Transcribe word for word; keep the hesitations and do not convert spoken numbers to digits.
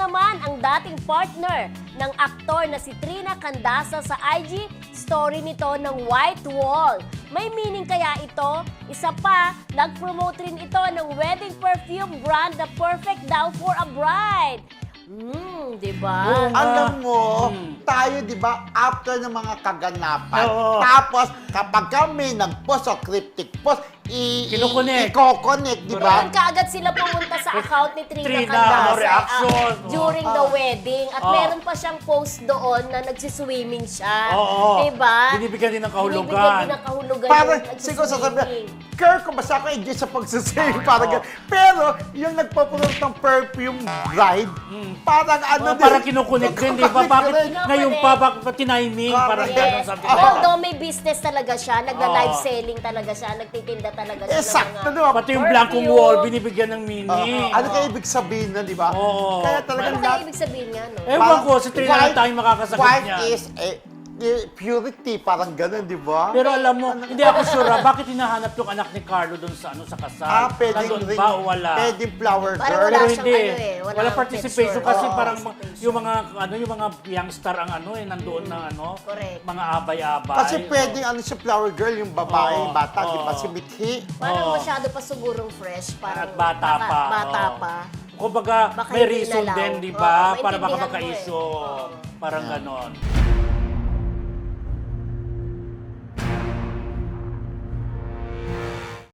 naman ang dating partner ng aktor na si Trina Candasa sa I G story nito ng White Wall. May meaning kaya ito? Isa pa, nag-promote rin ito ng wedding perfume brand na perfect daw for a bride. Hmm, di ba? Oo nga. Alam mo, Hmm. tayo, di ba, after ng mga kaganapan, Oo. tapos kapag kami nag-post o cryptic post, i- Kinukunik. i- i-coconnect, di ba? Doon kaagad sila pumunta sa account ni Trina, Trina, Candasa no, reaction. ah, during the Oh. wedding. At Oh. meron pa siyang post doon na nagsiswimming siya. Oo. Diba? Binibigyan din ng Binibigyan kahulugan. din ng kahulugan Parang, yung siguro nagsiswimming. sasabihin, Kirk, kung basta ako enjoy sa pagsisave, parang Oo. ganun. Pero, yung nagpapromote ng perfume bride, parang ano Oh, parang kinukunik din, di ba? Bakit rin. ngayon pa, bakit pa tiniming? Parang Correct. gano'n, Yes. something like that. Although may business talaga siya, nagla-live Oo. selling talaga siya, nagtitinda talaga siya. ng Exacto, mga di ba? Pati yung perfume. blankong wall, binibigyan ng Oo. meaning. Ano kaya ibig sabihin na, di ba? Oo. Kaya Ano talagang kaya lahat- ibig sabihin nga, no? Ewan Parang ko, si Trina lang white- tayo makakasagot white niya. is eh, eh, purity, parang ganun, di ba? Pero alam mo, hindi ako sure, ah, bakit hinahanap yung anak ni Carlo doon sa ano sa kasal? Ah, pwedeng Nandun ring, ba o wala? pwedeng flower Parang girl. wala Pero siyang hindi. ano eh, wala Wala kang participation picture. kasi Oo. parang Participation. yung mga ano yung mga youngstar ang ano eh nandoon na ano, Correct. mga abay-abay. Kasi pwedeng ano siya, flower girl, yung babae, Oo, yung bata, di ba? oo. Si Mithi. Parang Oo. masyado pa sigurong fresh. Parang At bata baka- pa. Bata oo. pa. Kumbaga, Baka may hindi reason nalaw. din, di Oo, ba? Para baka maintindihan mo eh. magka-issue. Oo. Parang ganon.